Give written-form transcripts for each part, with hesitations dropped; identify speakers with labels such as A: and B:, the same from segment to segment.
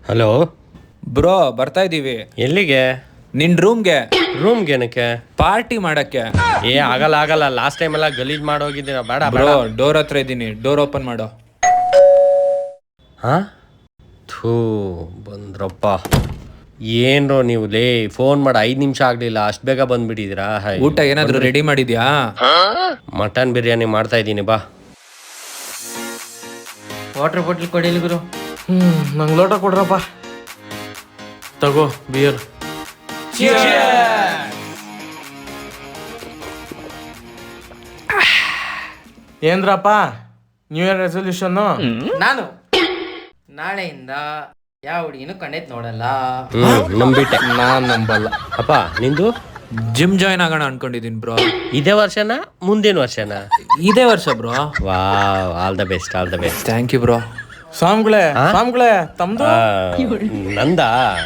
A: Hello
B: bro ಬರ್ತಾ ಇದೀವಿ.
A: ಎಲ್ಲಿಗೆ?
B: ನಿನ್ ರೂಮ್ಗೆ.
A: ರೂಮ್ಗೆ ಏನಕ್ಕೆ?
B: ಪಾರ್ಟಿ ಮಾಡಕ್ಕೆ.
A: ಆಗಲ್ಲ ಲಾಸ್ಟ್ ಟೈಮ್ ಎಲ್ಲ ಗಲೀಜ್ ಮಾಡೋಗಿದ್ದೀರಾ. ಬೇಡ
B: ಬ್ರೋ ಡೋರ್ ಹತ್ರ ಇದ್ದೀನಿ, ಡೋರ್ ಓಪನ್ ಮಾಡೋ.
A: ಹಾ ಥೂ ಬಂದ್ರಪ್ಪ. ಏನ್ರೋ ನೀವು ಲೇ ಫೋನ್ ಮಾಡಿ 5 ನಿಮಿಷ ಆಗ್ಲಿಲ್ಲ, ಅಷ್ಟು ಬೇಗ ಬಂದ್ಬಿಟ್ಟಿದ್ದೀರಾ?
B: ಊಟ ಏನಾದ್ರು ರೆಡಿ ಮಾಡಿದ್ಯಾ?
A: ಮಟನ್ ಬಿರಿಯಾನಿ ಮಾಡ್ತಾ ಇದ್ದೀನಿ, ಬಾ.
C: ವಾಟರ್ ಬಾಟಲ್ ಕೊಡಿಲಿ ಗುರು.
D: ನಂಗೆ ಲೋಟ ಕೊಡ್ರಪ್ಪ. ತಗೋ ಬಿಯರ್. ಏನ್ರಪ್ಪ ನ್ಯೂ ಇಯರ್ ರೆಸೊಲ್ಯೂಷನ್?
C: ನಾನು ನಾಳೆಯಿಂದ ಯಾವ ಹುಡುಗಿನೂ ಕಣ್ಣೆತ್ ನೋಡಲ್ಲ.
A: ನಂಬಿಟ್ಟೆ.
D: ನಾನ್ ನಂಬಲ್ಲ.
A: ಅಪ್ಪ ನಿಂದು?
B: ಜಿಮ್ ಜಾಯ್ನ್ ಆಗೋಣ ಅನ್ಕೊಂಡಿದೀನಿ ಬ್ರೋ.
A: ಇದೇ ವರ್ಷನಾ ಮುಂದಿನ ವರ್ಷನಾ?
B: ಇದೇ ವರ್ಷ bro.
A: Wow, all the best.
B: Thank you bro.
D: ಸ್ವಾಮಿಗಳೇ ತಮ್ದು?
A: ನಂದ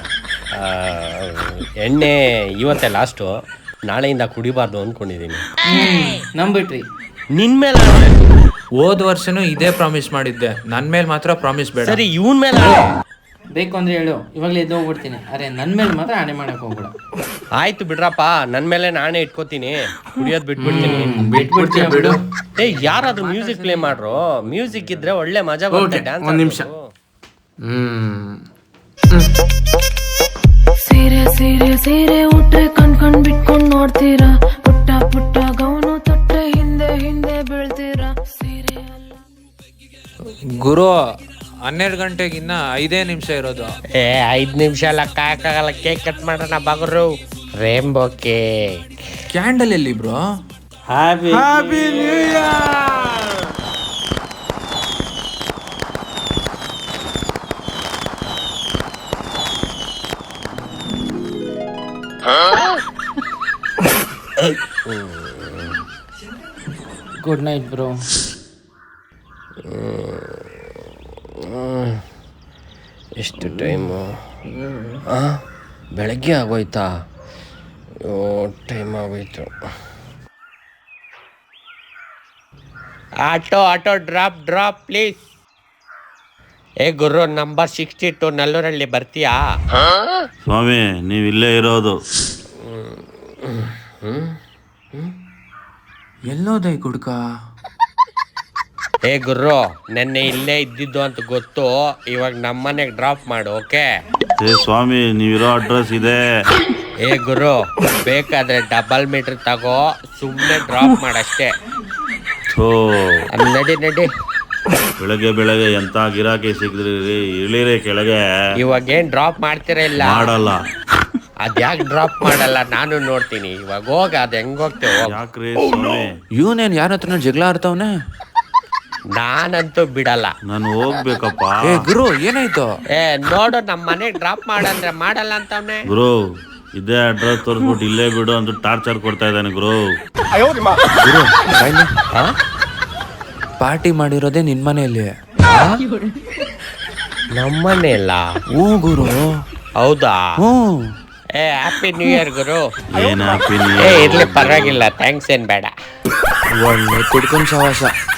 A: ಎಣ್ಣೆ ಇವತ್ತೇ ಲಾಸ್ಟು, ನಾಳೆಯಿಂದ ಕುಡಿಬಾರ್ದು ಅಂದ್ಕೊಂಡಿದ್ದೀನಿ.
C: ನಂಬಿಟ್ರಿ?
A: ನಿನ್ ಮೇಲೆ
B: ಹೋದ ವರ್ಷನೂ ಇದೇ ಪ್ರಾಮಿಸ್ ಮಾಡಿದ್ದೆ, ನನ್ ಮೇಲೆ ಮಾತ್ರ ಪ್ರಾಮಿಸ್ ಬೇಡ.
A: ಸರಿ, ಇವನ್ ಮೇಲೆ
C: ಬೇಕು ಅಂದ್ರೆ ಹೇಳು, ಇವಾಗಲೇ ಎದ್ದು ಹೋಗ್ಬಿಡ್ತೀನಿ. ಅರೆ ನನ್ನ ಮೇಲೆ ಮಾತ್ರ ಆಣೆ ಮಾಡಕ್ ಹೋಗ್ಬೇಡ.
A: ಆಯ್ತು ಬಿಡ್ರಪ್ಪ, ನನ್ ಮೇಲೆ ನಾನೇ ಇಟ್ಕೋತೀನಿ, ಕುಡಿಯೋದ್ ಬಿಟ್ಬಿಡ್ತೀನಿ.
C: ಬಿಟ್ಬಿಡ್ತೀಯ ಬಿಡು.
A: ಯಾರಾದ್ರೂ ಮ್ಯೂಸಿಕ್ ಪ್ಲೇ ಮಾಡ್ರು, ಮ್ಯೂಸಿಕ್ ಇದ್ರೆ ಒಳ್ಳೆ ಮಜಾ ಬರುತ್ತೆ. ಡ್ಯಾನ್ಸ್
D: ಒಂದ್ ನಿಮಿಷ.
E: ಸೀರೆ ಸೀರೆ ಸೀರೆ ಉಟ್ರೆ ಕಣ್ ಬಿಟ್ಕೊಂಡ್ ನೋಡ್ತೀರಾ, ಪುಟ್ಟ ಪುಟ್ಟ ಗೌನು ತೊಟ್ರೆ ಹಿಂದೆ ಹಿಂದೆ ಬೀಳ್ತೀರಾ. ಸೀರೆ
B: ಗುರು 12 ಗಂಟೆಗೆ ಇನ್ನ 5 ನಿಮಿಷ ಇರೋದು.
A: 5 ನಿಮಿಷ ಎಲ್ಲ ಕಾಯಕ್ಕಾಗಲ್ಲ. ಕೇಕ್ ಕಟ್ ಮಾಡೋಣ ಬಾಗರು. Rainbow cake.
B: ಕ್ಯಾಂಡಲ್ ಎಲ್ಲಿ bro?
A: Happy
D: new year.
C: Good night bro.
A: ಎಷ್ಟು ಟೈಮು? ಬೆಳಗ್ಗೆ ಆಗೋಯ್ತಾ? ಟೈಮ್ ಆಗೋಯ್ತು. Auto drop please. ಗುರು, ನಂಬರ್ 62 ನಲ್ಲೂರಲ್ಲಿ ಬರ್ತೀಯಾ?
F: ಸ್ವಾಮಿ, ನೀವಿಲ್ಲೇ ಇರೋದು.
B: ಎಲ್ಲೋದೈ ಗುಡ್ಕ?
A: ಗುರು, ನೆನ್ನೆ ಇಲ್ಲೇ ಇದ್ದಿದ್ದು ಅಂತ ಗೊತ್ತು, ಇವಾಗ ನಮ್ಮನೆಗೆ ಡ್ರಾಪ್ ಮಾಡು, ಓಕೆ?
F: ಸ್ವಾಮಿ, ನೀವಿರೋ ಅಡ್ರೆಸ್ ಇದೆ.
A: ಗುರು, ಬೇಕಾದ್ರೆ ಡಬಲ್ ಮೀಟರ್ ತಗೋ, ಸುಮ್ಮನೆ ಡ್ರಾಪ್ ಮಾಡಷ್ಟೇ. ನಡಿ.
F: ಬೆಳಗ್ಗೆ ಎಂತ ಗಿರಾಕಿ ಸಿಕ್ಕಿದ್ರಿ, ಇಳಿರಿ ಕೆಳಗೆ.
A: ಇವಾಗ ಏನ್ ಡ್ರಾಪ್ ಮಾಡ್ತೀರಾ? ಇಲ್ಲ
F: ಮಾಡಲ್ಲ.
A: ಅದ್ಯಾಕೆ ಡ್ರಾಪ್ ಮಾಡಲ್ಲ? ನಾನು ನೋಡ್ತೀನಿ. ಇವಾಗ ಹೋಗ, ಅದ್ ಹೆಂಗ್ ಹೋಗ್ತೇವೆ?
F: ಯಾಕ್ರಿ ಸ್ವಾಮಿ?
B: ಇವನೇನ್ ಯಾರ ಹತ್ರ ಜಗಳ ಆಡ್ತಾವನೆ?
A: ನಾನಂತೂ ಬಿಡಲ್ಲ.
F: ನಾನು ಹೋಗ್ಬೇಕಪ್ಪ.
B: ಗುರು ಏನಾಯ್ತು?
A: ನೋಡು, ನಮ್ಮ ಮನೆಗ್ ಡ್ರಾಪ್ ಮಾಡಂದ್ರೆ ಮಾಡಲ್ಲ ಅಂತವ್ನೆ.
F: ಗುರು, ಇದೇ ಅಡ್ರೆಸ್ ತೋರಿಸ್ಬಿಟ್ಟು ಇಲ್ಲೇ ಬಿಡು ಅಂತ ಟಾರ್ಚರ್ ಕೊಡ್ತಾ ಇದ್ದಾನೆ ಗುರು.
B: ಪಾರ್ಟಿ ಮಾಡಿರೋದೇ ನಿನ್ ಮನೆಯಲ್ಲಿ?
A: ನಮ್ಮನೆ ಇಲ್ಲ.
B: ಹ್ಞೂ ಗುರು.
A: ಹೌದಾ?
B: ಹ್ಞೂ.
A: ಹ್ಯಾಪಿ ನ್ಯೂ ಇಯರ್ ಗುರು.
F: ಏನ್ ಹ್ಯಾಪಿ
A: ಇರ್ಲಿ, ಪರವಾಗಿಲ್ಲ, ಥ್ಯಾಂಕ್ಸ್ ಏನ್ ಬೇಡ.
B: ಒಳ್ಳೆ ಕುಡ್ಕೊಂಡ್ ಸವಾಸ.